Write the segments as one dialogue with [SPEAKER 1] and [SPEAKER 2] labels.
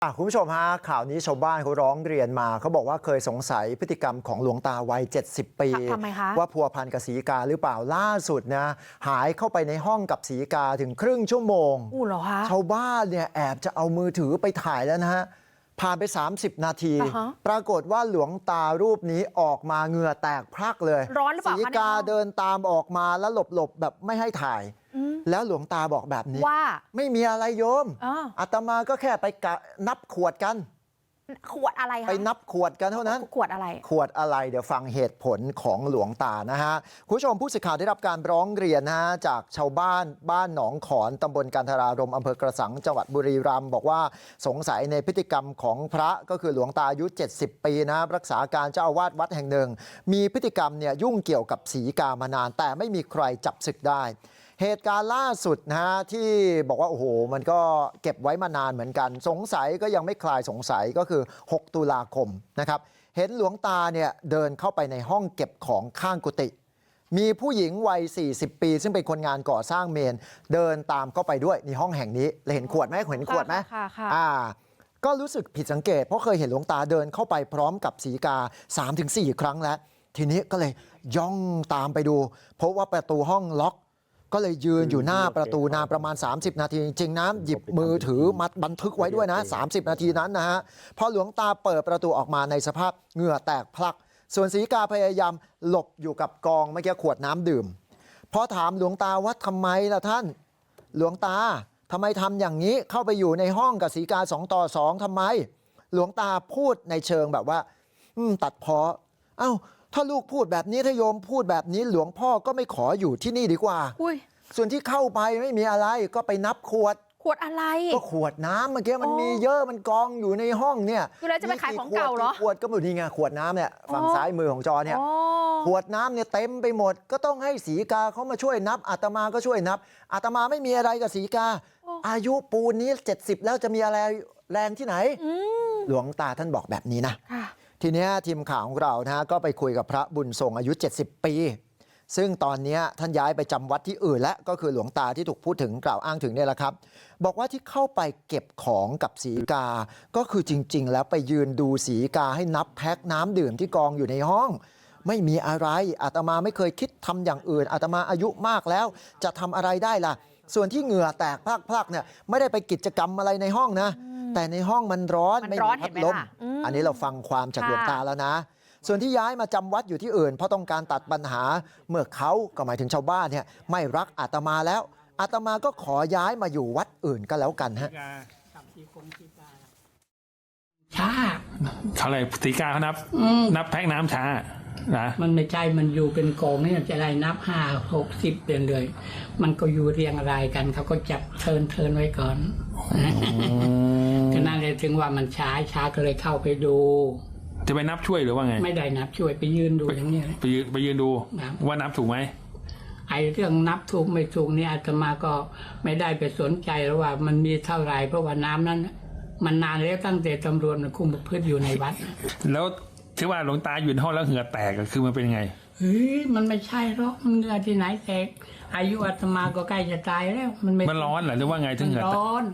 [SPEAKER 1] คุณผู้ชมฮะข่าวนี้ชาวบ้านเขาร้องเรียนมาเขาบอกว่าเคยสงสัยพฤติกรรมของหลวงตาวัย70 ปี
[SPEAKER 2] ทำไมคะ
[SPEAKER 1] ว่าพัวพันกับศรีกาหรือเปล่าล่าสุดนะหายเข้าไปในห้องกับศรีกาถึงครึ่งชั่วโมง
[SPEAKER 2] เหรอคะ
[SPEAKER 1] ชาวบ้านเนี่ยแอบจะเอามือถือไปถ่ายแล้วนะฮะผ่านไป30 นาทีปรากฏว่าหลวงตารูปนี้ออกมาเหงื่อแตกพรักเลย
[SPEAKER 2] ร้อนหรือเปล่า
[SPEAKER 1] ศรีกาเดินตามออกมาแล้วหลบแบบไม่ให้ถ่ายแล้วหลวงตาบอกแบบนี้
[SPEAKER 2] ว่า
[SPEAKER 1] ไม่มีอะไรโยมอาตมาก็แค่ไปนับขวดกัน
[SPEAKER 2] ขวดอะไรคะ
[SPEAKER 1] ไปนับขวดกันเท่านั้น
[SPEAKER 2] ขวดอะไร
[SPEAKER 1] ขวดอะไรเดี๋ยวฟังเหตุผลของหลวงตานะฮะคุณผู้ชมผู้สื่อข่าวได้รับการร้องเรียนนะฮะจากชาวบ้านหนองขอนตำบลกันทรารมอำเภอกระสังจังหวัดบุรีรัมย์บอกว่าสงสัยในพฤติกรรมของพระก็คือหลวงตาอายุ70 ปีนะรักษาการเจ้าอาวาสวัดแห่งหนึ่งมีพฤติกรรมเนี่ยยุ่งเกี่ยวกับศรีกามานานแต่ไม่มีใครจับศึกได้เหตุการณ์ล่าสุดนะฮะที่บอกว่าโอ้โหมันก็เก็บไว้มานานเหมือนกันสงสัยก็ยังไม่คลายสงสัยก็คือ6 ตุลาคมนะครับเห็นหลวงตาเนี่ยเดินเข้าไปในห้องเก็บของข้างกุฏิมีผู้หญิงวัย40 ปีซึ่งเป็นคนงานก่อสร้างเมนเดินตามเข้าไปด้วยในห้องแห่งนี้เห็นขวดไหมเห็นขวดไหมก็รู้สึกผิดสังเกตเพราะเคยเห็นหลวงตาเดินเข้าไปพร้อมกับศรีกา 3-4 ครั้งแล้วทีนี้ก็เลยย่องตามไปดูพบว่าประตูห้องล็อกก็เลยยืนอยู่หน้าประตูนานประมาณ30 นาทีจริงๆนะหยิบมือถือมัดบันทึกไว้ด้วยนะ30 นาทีนั้นนะฮะพอหลวงตาเปิดประตูออกมาในสภาพเหงื่อแตกพลักส่วนศรีกาพยายามหลบอยู่กับกองเมื่อกี้ขวดน้ำดื่มพอถามหลวงตาว่าทำไมล่ะท่านหลวงตาทำไมทำอย่างนี้เข้าไปอยู่ในห้องกับศรีกา2 ต่อ 2ทำไมหลวงตาพูดในเชิงแบบว่าตัดพ้อเอ้าถ้าลูกพูดแบบนี้ถ้าโยมพูดแบบนี้หลวงพ่อก็ไม่ขออยู่ที่นี่ดีกว่าส่วนที่เข้าไปไม่มีอะไรก็ไปนับขวด
[SPEAKER 2] อะไร
[SPEAKER 1] ก็ขวดน้ำเมื่อกี้มันมีเยอะมันกองอยู่ในห้องเนี่ย
[SPEAKER 2] คือเราจะไปขายของเก่าเหรอ
[SPEAKER 1] ขวดก็หมดนี่ไงขวดน้ำเนี่ยฝั่งซ้ายมือของจอเนี่ยขวดน้ำเนี่ยเต็มไปหมดก็ต้องให้ศรีกาเขามาช่วยนับอาตมาก็ช่วยนับอาตมาไม่มีอะไรกับศรีกาอายุปูนนี้70แล้วจะมีอะไรแรงที่ไหนหลวงตาท่านบอกแบบนี้นะทีนี้ทีมข่าวของเรานะก็ไปคุยกับพระบุญทรงอายุ70 ปีซึ่งตอนนี้ท่านย้ายไปจำวัดที่อื่นและก็คือหลวงตาที่ถูกพูดถึงกล่าวอ้างถึงเนี่ยแหละครับบอกว่าที่เข้าไปเก็บของกับศรีกาก็คือจริงๆแล้วไปยืนดูศรีกาให้นับแพ็คน้ำดื่มที่กองอยู่ในห้องไม่มีอะไรอาตมาไม่เคยคิดทำอย่างอื่นอาตมาอายุมากแล้วจะทำอะไรได้ล่ะส่วนที่เหงื่อแตกพลักๆเนี่ยไม่ได้ไปกิจกรรมอะไรในห้องนะแต่ในห้องมันร้อนไม่มีพัดลมอันนี้เราฟังความจากหลวงตาแล้วนะส่วนที่ย้ายมาจำวัดอยู่ที่อื่นเพราะต้องการตัดปัญหาเมื่อเขาก็หมายถึงชาวบ้านเนี่ยไม่รักอาตมาแล้วอาตมาก็ขอย้ายมาอยู่วัดอื่นก็แล้วกันฮะ
[SPEAKER 3] ช้า
[SPEAKER 4] อะไรศรีกาเขานับแพ็คน้ำช้านะ
[SPEAKER 3] มันไม่ใช่มันอยู่เป็นกองนี่จะได้นับ5-6-10เดือนเลยมันก็อยู่เรียงรายกันเขาก็จับเทินไว้ก่อนก็นั่นเลยถึงว่ามันช้าก็เลยเข้าไปดู
[SPEAKER 4] จะไปนับช่วยหรือว่าไง
[SPEAKER 3] ไม่ได้นับช่วยไปยืนดูอย่างนี้
[SPEAKER 4] ไปยืนดูว่านับถูกไหม
[SPEAKER 3] ไอ้เรื่องนับถูกไม่ถูกนี่อาตมาก็ไม่ได้ไปสนใจแล้วว่ามันมีเท่าไหร่เพราะว่าน้ำนั้นมันนานแล้วตั้งแต่ตำรวจคุมประพฤติอยู่ในวัด
[SPEAKER 4] แล้วที่ว่าหลวงตาอยู่ในห้องแล้วเหงื่อแตกคือมันเป็นไง
[SPEAKER 3] มันไม่ใช่หรอกมันเหงื่อที่ไหนแตกอายุอาตมาก็ใกล้จะตายแล้ว
[SPEAKER 4] มันร้อนเหรอหรือว่าไงถึงเหงื่อแตก
[SPEAKER 3] ร้อน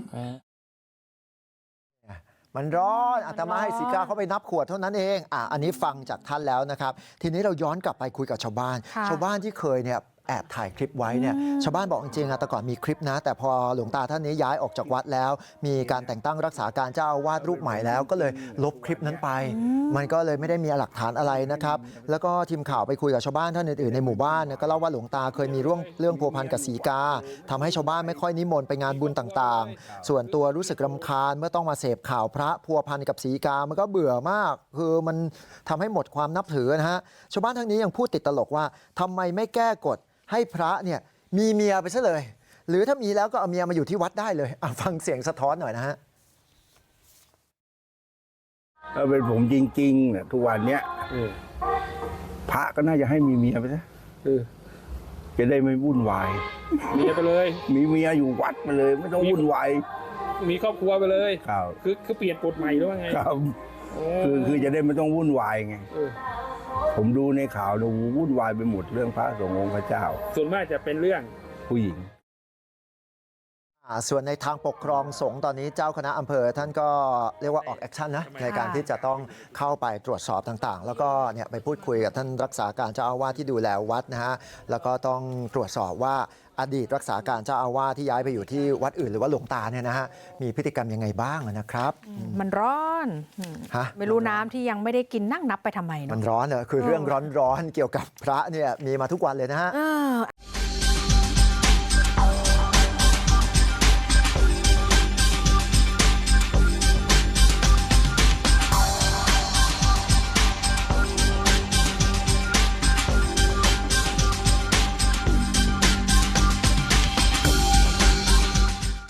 [SPEAKER 1] มันร้อนอาตมาให้ศรีกาเขาไปนับขวดเท่านั้นเองอันนี้ฟังจากท่านแล้วนะครับทีนี้เราย้อนกลับไปคุยกับชาวบ้านที่เคยเนี่ยแอบถ่ายคลิปไว้เนี่ยชาวบ้านบอกจริงๆแต่ก่อนมีคลิปนะแต่พอหลวงตาท่านนี้ย้ายออกจากวัดแล้วมีการแต่งตั้งรักษาการเจ้าอาวาสรูปใหม่แล้วก็เลยลบคลิปนั้นไปมันก็เลยไม่ได้มีหลักฐานอะไรนะครับแล้วก็ทีมข่าวไปคุยกับชาวบ้านท่านอื่นๆในหมู่บ้านก็เล่าว่าหลวงตาเคยมีเรื่องพัวพันกับศรีกาทำให้ชาวบ้านไม่ค่อยนิมนต์ไปงานบุญต่างๆส่วนตัวรู้สึกรำคาญเมื่อต้องมาเสพข่าวพระพัวพันกับศรีกามันก็เบื่อมากคือมันทำให้หมดความนับถือนะฮะชาวบ้านทั้งนี้ยังพูดติดตลกว่าทำไมไม่แก้กฎให้พระเนี่ยมีเมียไปซะเลยหรือถ้ามีแล้วก็เอาเมียมาอยู่ที่วัดได้เลยฟังเสียงสะท้อนหน่อยนะฮะ
[SPEAKER 5] ถ้าเป็นผมจริงๆเนี่ยทุกวันเนี้ยพระก็น่าจะให้มีเมียไปซะจะได้ไม่วุ่นวาย
[SPEAKER 4] เมียไปเลย
[SPEAKER 5] มีเมียอยู่วัดไปเลยไม่ต้องวุ่นวาย
[SPEAKER 4] มีครอบครัวไปเลย
[SPEAKER 5] ครับ
[SPEAKER 4] คือเปลี่ยนกฎใหม่หรือว่าไง
[SPEAKER 5] ครับคือจะได้ไม่ต้องวุ่นวายไงผมดูในข่าวดูวุ่นวายไปหมดเรื่องพระสงฆ์องค์พระเจ้า
[SPEAKER 4] ส่วนมากจะเป็นเรื่อง
[SPEAKER 5] ผู้หญิง
[SPEAKER 1] ส่วนในทางปกครองสงฆ์ตอนนี้เจ้าคณะอำเภอท่านก็เรียกว่าออกแอคชั่นนะในการที่จะต้องเข้าไปตรวจสอบต่างๆ แล้วก็ไปพูดคุยกับท่านรักษาการเจ้าอาวาสที่ดูแลวัดนะฮะแล้วก็ต้องตรวจสอบว่าอดีตรักษาการเจ้าอาวาสที่ย้ายไปอยู่ที่วัดอื่นหรือว่าหลวงตาเนี่ยนะฮะมีพฤติกรรมยังไงบ้างนะครับ
[SPEAKER 2] มันร้อน
[SPEAKER 1] ฮะ
[SPEAKER 2] ไม่รู้น้ำที่ยังไม่ได้กินนั่งนับไปทำไมเน
[SPEAKER 1] มัน
[SPEAKER 2] อะ
[SPEAKER 1] ร้อนเหรอคือเรื่องร้อนๆเกี่ยวกับพระเนี่ยมีมาทุกวันเลยนะฮะ